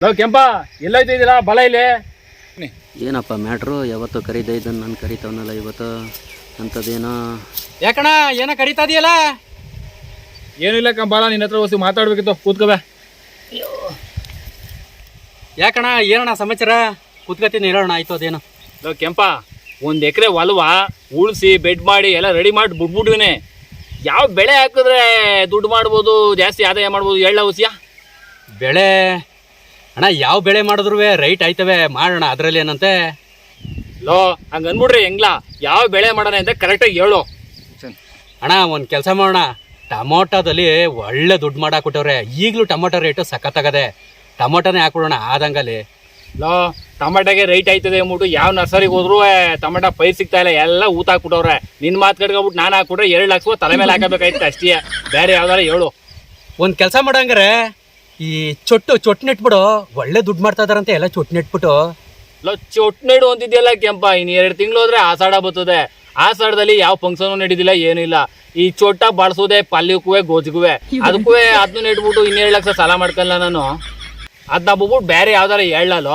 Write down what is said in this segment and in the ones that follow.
ನಾವು ಕೆಂಪ ಎಲ್ಲೈತಿದ್ದೀರಾ ಬಲ ಇಲ್ಲಿ ಏನಪ್ಪ ಮ್ಯಾಟ್ರು ಯಾವತ್ತು ಕರೀತಾ ಇದ್ದನ್ನು ನಾನು ಕರಿತಾವನಲ್ಲ ಇವತ್ತು ಅಂಥದ್ದೇನೋ ಯಾಕಣ ಏನೋ ಕರೀತಾ ಇದೆಯಲ್ಲ. ಏನಿಲ್ಲ ಕಂಬಾಲ ನಿನ್ನ ಹತ್ರ ಹೊಸ ಮಾತಾಡ್ಬೇಕಿತ್ತು ಕೂತ್ಕೋಬೆ. ಯಾಕಣ ಏನಣ್ಣ ಸಮಾಚಾರ? ಕೂತ್ಕತೀನಿ ಹೇಳೋಣ. ಆಯ್ತು ಅದೇನು ನಾವು ಕೆಂಪ 1 ಎಕರೆ ಹೊಲವ ಉಳಿಸಿ ಬೆಡ್ ಮಾಡಿ ಎಲ್ಲ ರೆಡಿ ಮಾಡಿ ಬಿಟ್ಬಿಟ್ವಿನಿ. ಯಾವ ಬೆಳೆ ಹಾಕಿದ್ರೆ ದುಡ್ಡು ಮಾಡ್ಬೋದು, ಜಾಸ್ತಿ ಆದಾಯ ಮಾಡ್ಬೋದು ಹೇಳ ಹುಸಿಯ ಬೆಳೆ? ಅಣ್ಣ ಯಾವ ಬೆಳೆ ಮಾಡಿದ್ರು ರೈಟ್ ಆಯ್ತವೆ ಮಾಡೋಣ, ಅದರಲ್ಲಿ ಏನಂತೆ. ಲೋ ಹಂಗೆ ಅಂದ್ಬಿಡ್ರಿ ಹೆಂಗ್ಲ ಯಾವ ಬೆಳೆ ಮಾಡೋಣ ಅಂತ ಕರೆಕ್ಟಾಗಿ ಹೇಳು. ಅಣ್ಣ ಒಂದು ಕೆಲಸ ಮಾಡೋಣ, ಟೊಮೊಟೊದಲ್ಲಿ ಒಳ್ಳೆ ದುಡ್ಡು ಮಾಡಾಕ್ಬಿಟ್ಟವ್ರೆ. ಈಗಲೂ ಟೊಮೊಟೊ ರೇಟು ಸಖತ್ತಾಗದೆ, ಟೊಮೊಟೊನೇ ಹಾಕ್ಬಿಡೋಣ ಆದಂಗಲ್ಲಿ. ಲೋ ಟೊಮೆಟೊಗೆ ರೈಟ್ ಆಯ್ತದೆ ಅಂದ್ಬಿಟ್ಟು ಯಾವ ನರ್ಸರಿಗೆ ಹೋದ್ರು ಟೊಮೆಟೊ ಪೈರ್ ಸಿಗ್ತಾ ಇಲ್ಲ, ಎಲ್ಲ ಊತ ಹಾಕ್ಬಿಟ್ಟವ್ರೆ. ನಿನ್ನ ಮಾತು ಕಟ್ಕೊಬಿಟ್ಟು ನಾನು ಹಾಕ್ಬಿಟ್ರೆ 2 ಲಕ್ಷ ತಲೆ ಮೇಲೆ ಹಾಕಬೇಕಾಯ್ತು ಅಷ್ಟೇ, ಬೇರೆ ಯಾವ್ದಾರ ಹೇಳು. ಒಂದು ಕೆಲಸ ಮಾಡಂಗಾರೆ ಈ ಚೊಟ್ಟು ನೆಟ್ಬಿಡು, ಒಳ್ಳೆ ದುಡ್ಡು ಮಾಡ್ತಾ ಇದಾರಂತೆ ಎಲ್ಲ ಚೊಟ್ಟು ನೆಟ್ಬಿಟ್ಟು. ಲೋ ಚೊಟ್ನೇಡು ಅಂತಿದ್ಯಲ್ಲ ಕೆಂಪ, ಇನ್ನು 2 ತಿಂಗಳು ಹೋದ್ರೆ ಆಷಾಢ ಬರ್ತದೆ. ಆಷಾಢದಲ್ಲಿ ಯಾವ ಫಂಕ್ಷನು ನಡೀದಿಲ್ಲ ಏನಿಲ್ಲ. ಈ ಚೊಟ್ಟ ಬಳಸೋದೆ ಪಲ್ಯಕ್ಕೂ ಗೋಜಿಗುವೆ, ಅದಕ್ಕೂ ಅದನ್ನ ನೆಟ್ಬಿಟ್ಟು 2 ಲಕ್ಷ ಸಾಲ ಮಾಡ್ಕಲ್ಲ ನಾನು. ಅದನ್ನ ಬಿಟ್ಬಿಟ್ಟು ಬೇರೆ ಯಾವ್ದಾರ ಹೇಳಲ್ಲೋ.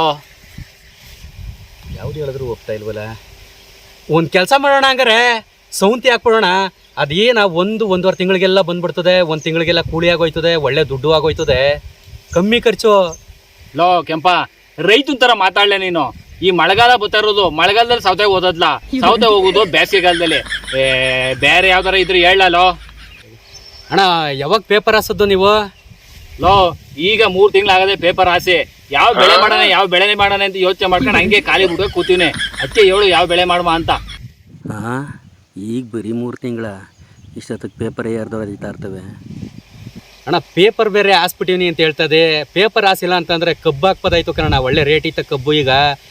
ಯಾವ್ದು ಹೇಳಿದ್ರು ಹೋಗ್ತಾ ಇಲ್ವಲ್ಲ. ಒಂದು ಕೆಲಸ ಮಾಡೋಣ ಹಂಗಾರೆ, ಸೌಂತಿ ಹಾಕ್ಬಿಡೋಣ. ಅದೇನ 1-1.5 ತಿಂಗಳಿಗೆಲ್ಲ ಬಂದ್ಬಿಡ್ತದೆ, 1 ತಿಂಗಳಿಗೆಲ್ಲ ಕೂಲಿ ಆಗೋಯ್ತದೆ, ಒಳ್ಳೆ ದುಡ್ಡು ಆಗೋಯ್ತದೆ, ಕಮ್ಮಿ ಖರ್ಚು. ಲೋ ಕೆಂಪ ರೈತನ ಥರ ಮಾತಾಡಲೆ ನೀನು. ಈ ಮಳೆಗಾಲ ಬರ್ತಾ ಇರೋದು, ಮಳೆಗಾಲದಲ್ಲಿ ಸೌತೆ ಓದದ್ಲ, ಸೌತೆ ಹೋಗೋದು ಬೇಸಿಗೆಗಾಲದಲ್ಲಿ. ಬೇರೆ ಯಾವ್ದಾರ ಇದ್ರೆ ಹೇಳಲ್ಲೋ. ಅಣ್ಣ ಯಾವಾಗ ಪೇಪರ್ ಹಾಸೋದು ನೀವು? ಲೋ ಈಗ 3 ತಿಂಗಳಾಗದೆ ಪೇಪರ್ ಹಾಸಿ. ಯಾವ ಬೆಳೆ ಮಾಡೋಣ ಅಂತ ಯೋಚನೆ ಮಾಡ್ಕೊಂಡು ಹಂಗೆ ಖಾಲಿ ಬಿಡ್ಬೇಕು ಕೂತೀವಿ. ಅದಕ್ಕೆ ಹೇಳು ಯಾವ ಬೆಳೆ ಮಾಡುವ ಅಂತ. ಹಾಂ ಈಗ ಬರೀ 3 ತಿಂಗಳ, ಇಷ್ಟೊತ್ತಿಗೆ ಪೇಪರ್ ಯಾರ್ದೋ ಅರಿತಾ ಇರ್ತವೆ. ಅಣ್ಣ ಪೇಪರ್ ಬೇರೆ ಹಾಸ್ಬಿಟ್ಟಿವ್ನಿ ಅಂತ ಹೇಳ್ತದೆ. ಪೇಪರ್ ಹಾಸಿಲ್ಲ ಅಂತಂದರೆ ಕಬ್ಬು ಹಾಕ್ಬೋದಾಯ್ತು ಕಣ. ಒಳ್ಳೆ ರೇಟ್ ಇತ್ತು ಕಬ್ಬು. ಈಗ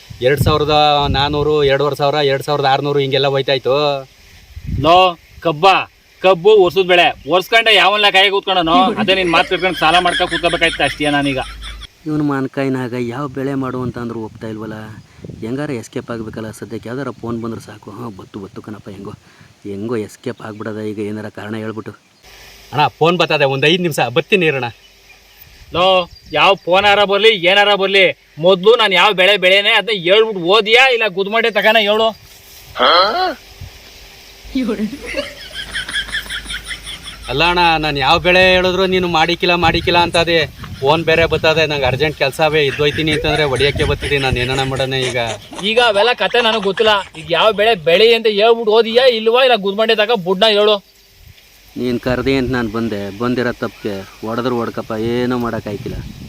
2400, 2500, 2600 ಹಿಂಗೆಲ್ಲ ಹೋಯ್ತಾಯ್ತು. ಲೋ ಕಬ್ಬು ಒರ್ಸದ್ ಬೆಳೆ ಒರ್ಸ್ಕೊಂಡೆ ಯಾವನ್ನ ಕಾಯಿ ಕೂತ್ಕೊಂಡನು. ಅದೇ ನಿನ್ ಮಾತು ಕಟ್ಕೊಂಡು ಸಾಲ ಮಾಡ್ಕೊಂಡು ಕೂತ್ಕೋಬೇಕಾಯ್ತು ಅಷ್ಟೇ ನಾನೀಗ. ಇವನು ಮಾನ್ಕಾಯಿನಾಗ ಯಾವ ಬೆಳೆ ಮಾಡು ಅಂತ ಅಂದ್ರೂ ಹೋಗ್ತಾ ಇಲ್ವಲ್ಲ. ಹೆಂಗಾರ ಎಸ್ಕೇಪ್ ಆಗಬೇಕಲ್ಲ. ಸದ್ಯಕ್ಕೆ ಯಾವ್ದಾರ ಫೋನ್ ಬಂದ್ರೆ ಸಾಕು. ಹಾಂ ಬತ್ತು ಕಣಪ್ಪ, ಹೆಂಗೋ ಎಸ್ಕೇಪ್ ಆಗ್ಬಿಡೋದ ಈಗ. ಏನಾರ ಕಾರಣ ಹೇಳ್ಬಿಟ್ಟು. ಅಣ್ಣ ಫೋನ್ ಬರ್ತದೆ, ಒಂದು 5 ನಿಮಿಷ ಬರ್ತೀನಿ ಇರೋಣ. ಲೋ ಯಾವ ಫೋನಾರ ಬರಲಿ ಏನಾರ ಬರಲಿ, ಮೊದಲು ನಾನು ಯಾವ ಬೆಳೆನೆ ಅದನ್ನ ಹೇಳ್ಬಿಟ್ಟು ಓದಿಯಾ ಇಲ್ಲ ಗುದ್ಮಡೆ ತಗೋಣ ಹೇಳು. ಅಲ್ಲ ಅಣ್ಣ, ನಾನು ಯಾವ ಬೆಳೆ ಹೇಳಿದ್ರು ನೀನು ಮಾಡಿಕಿಲ್ಲ ಅಂತದೆ. ಫೋನ್ ಬೇರೆ ಬರ್ತದೆ, ನಂಗೆ ಅರ್ಜೆಂಟ್ ಕೆಲಸವೇ ಇದ್ದೋಯ್ತೀನಿ ಅಂತಂದರೆ ಹೊಡಿಯೋಕ್ಕೆ ಬರ್ತಿದ್ದೀನಿ. ನಾನು ಏನಾನ ಮಾಡೋಣ ಈಗ ಅವೆಲ್ಲ ಕತೆ ನನಗೆ ಗೊತ್ತಿಲ್ಲ. ಈಗ ಯಾವ ಬೆಳೆ ಅಂತ ಹೇಳ್ಬಿಟ್ಟು ಓದಿಯಾ ಇಲ್ವಾ ಇಲ್ಲ ಗುದ್ಮಡೆ ತಗ ಬುಡ್ನ ಹೇಳು. ನೀನು ಕರೆದೆ ಅಂತ ನಾನು ಬಂದಿರೋ ತಪ್ಪಿಗೆ ಹೊಡೆದ್ರು ಹೊಡ್ಕಪ್ಪ, ಏನೂ ಮಾಡೋಕ್ಕಾಯ್ತಿಲ್ಲ.